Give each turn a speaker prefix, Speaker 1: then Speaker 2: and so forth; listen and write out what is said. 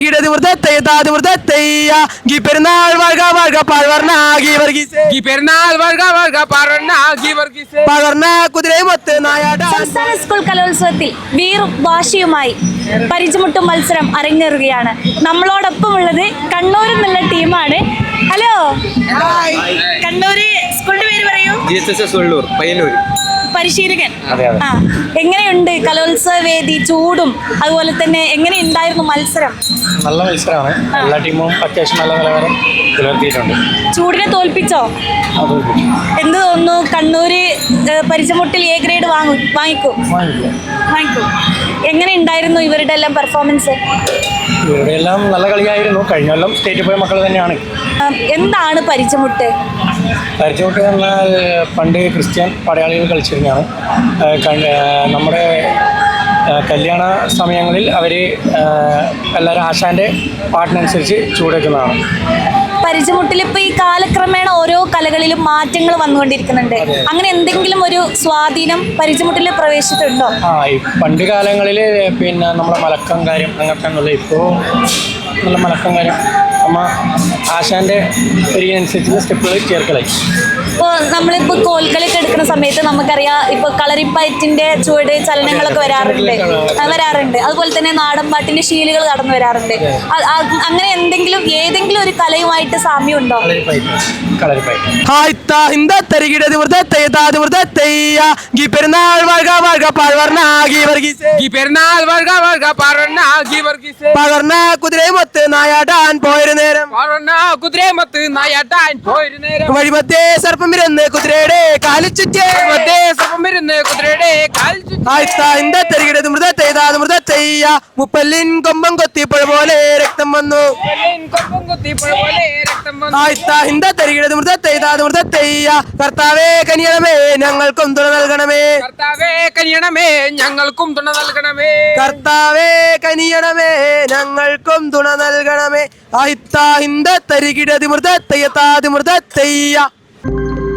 Speaker 1: പെരുന്നാൾ വർഗ വർഗ പാഴ്വർണ്ണ ഗീ വർഗീസേ
Speaker 2: പെരുന്നാൾ വർഗ വർഗ പാർവർണ്ണ ഗീ വർഗീസേ
Speaker 1: പകർന്ന കുതിരയുമൊത്ത് നായാട.
Speaker 3: സംസ്ഥാന സ്കൂൾ കലോത്സവത്തിൽ വീറും വാശിയുമായി പരിചമുട്ടും മത്സരം അരങ്ങേറുകയാണ്. നമ്മളോടൊപ്പം ഉള്ളത് കണ്ണൂരിൽ നിന്നുള്ള ടീമാണ്. ഹലോ, കണ്ണൂര് സ്കൂളിന്റെ പേര് പറയൂ.
Speaker 2: പയ്യന്നൂർ.
Speaker 3: പരിശീലകൻ. ആ, എങ്ങനെയുണ്ട് കലോത്സവ വേദി? ചൂടും അതുപോലെ തന്നെ എങ്ങനെയുണ്ടായിരുന്നു മത്സരം?
Speaker 4: നല്ല മത്സരമാണ്. എല്ലാ ടീമും അത്യാവശ്യം നല്ല നിലവാരം പുലർത്തിയിട്ടുണ്ട്.
Speaker 3: ചൂടിനെ തോൽപ്പിച്ചോ? എന്ത് തോന്നുന്നു? കണ്ണൂര് പരിചമുട്ടിൽ എ ഗ്രേഡ് വാങ്ങിക്കും. എങ്ങനെ ഉണ്ടായിരുന്നു ഇവരുടെ എല്ലാം പെർഫോമൻസ്?
Speaker 4: ഇവരുടെ എല്ലാം നല്ല കളിയായിരുന്നു. കഴിഞ്ഞ കൊല്ലം സ്റ്റേറ്റിൽ പോയ മക്കൾ തന്നെയാണ്.
Speaker 3: എന്താണ് പരിചമുട്ട്?
Speaker 4: പരിചമുട്ട് എന്നാൽ പണ്ട് ക്രിസ്ത്യൻ പടയാളികൾ കളിച്ചിരുന്നതാണ്. നമ്മുടെ കല്യാണ സമയങ്ങളിൽ അവർ എല്ലാവരും ആശാൻ്റെ പാട്ടിനനുസരിച്ച് ചൂടേക്കുന്നതാണ്.
Speaker 3: പരിചമുട്ടിൽ ഇപ്പൊ ഈ കാലക്രമേണ ഓരോ കലകളിലും മാറ്റങ്ങൾ വന്നുകൊണ്ടിരിക്കുന്നുണ്ട്. അങ്ങനെ എന്തെങ്കിലും ഒരു സ്വാധീനം പരിചമുട്ടിൽ പ്രവേശിച്ചിട്ടുണ്ടോ?
Speaker 4: ഈ പണ്ട് കാലങ്ങളിൽ പിന്നെ നമ്മളെ മലക്കം കാര്യം അങ്ങനത്തെ ഒന്നുമില്ല. ഇപ്പോൾ നല്ല മലക്കം കാര്യം നമ്മ ആശാൻ്റെ ഒരിക്കനുസരിച്ചുള്ള സ്റ്റെപ്പുകൾ ചേർക്കലായി.
Speaker 3: ഇപ്പോൾ നമ്മളിപ്പോൾ കോൽക്കളിയൊക്കെ എടുക്കുന്ന സമയത്ത് നമുക്കറിയാം, ഇപ്പോൾ കളറിപ്പയറ്റിന്റെ ചുവട് ചലനങ്ങളൊക്കെ വരാറുണ്ട്. അതുപോലെ തന്നെ നാടൻ പാട്ടിന്റെ ശീലുകൾ കടന്നു വരാറുണ്ട്. അങ്ങനെ ഏതെങ്കിലും ഒരു കലയുമായിട്ട് സാമ്യം ഉണ്ടോ?
Speaker 1: പെരുന്നാൾ വർഗ വർഗ പാഴ്വർണ്ണ ഗീ വർഗീസേ
Speaker 2: പെരുന്നാൾ വർഗ വർഗ പാർവർണ്ണ ഗീ വർഗീസേ
Speaker 1: പകർന്ന കുതിരയുമൊത്ത് നായാടാൻ പോയൊരു നേരം
Speaker 2: കുതിരയുമൊത്ത് നായാട്ടാൻ പോയൊരു നേരം
Speaker 1: വഴിമധ്യേ സർപ്പം ഇരുന്ന് കുതിരയുടെ കാലിൽ ചുറ്റേ
Speaker 2: കുതിരയുടെ കാലിൽ
Speaker 1: മുപ്പല്ലിൻ കൊമ്പം കൊത്തിപ്പുഴ പോലെ രക്തം വന്നു. കർത്താവേ കനിയണമേ ഞങ്ങൾക്കും തുണ നൽകണമേ.
Speaker 2: കർത്താവേ കനിയണമേ ഞങ്ങൾക്കും തുണ നൽകണമേ.
Speaker 1: കർത്താവേ കനിയണമേ ഞങ്ങൾക്കും തുണ നൽകണമേ. ആയിത്താ ഹിന്ദ തരികിടതി മൃത തെയ്യത്താതി മൃത തെയ്യ.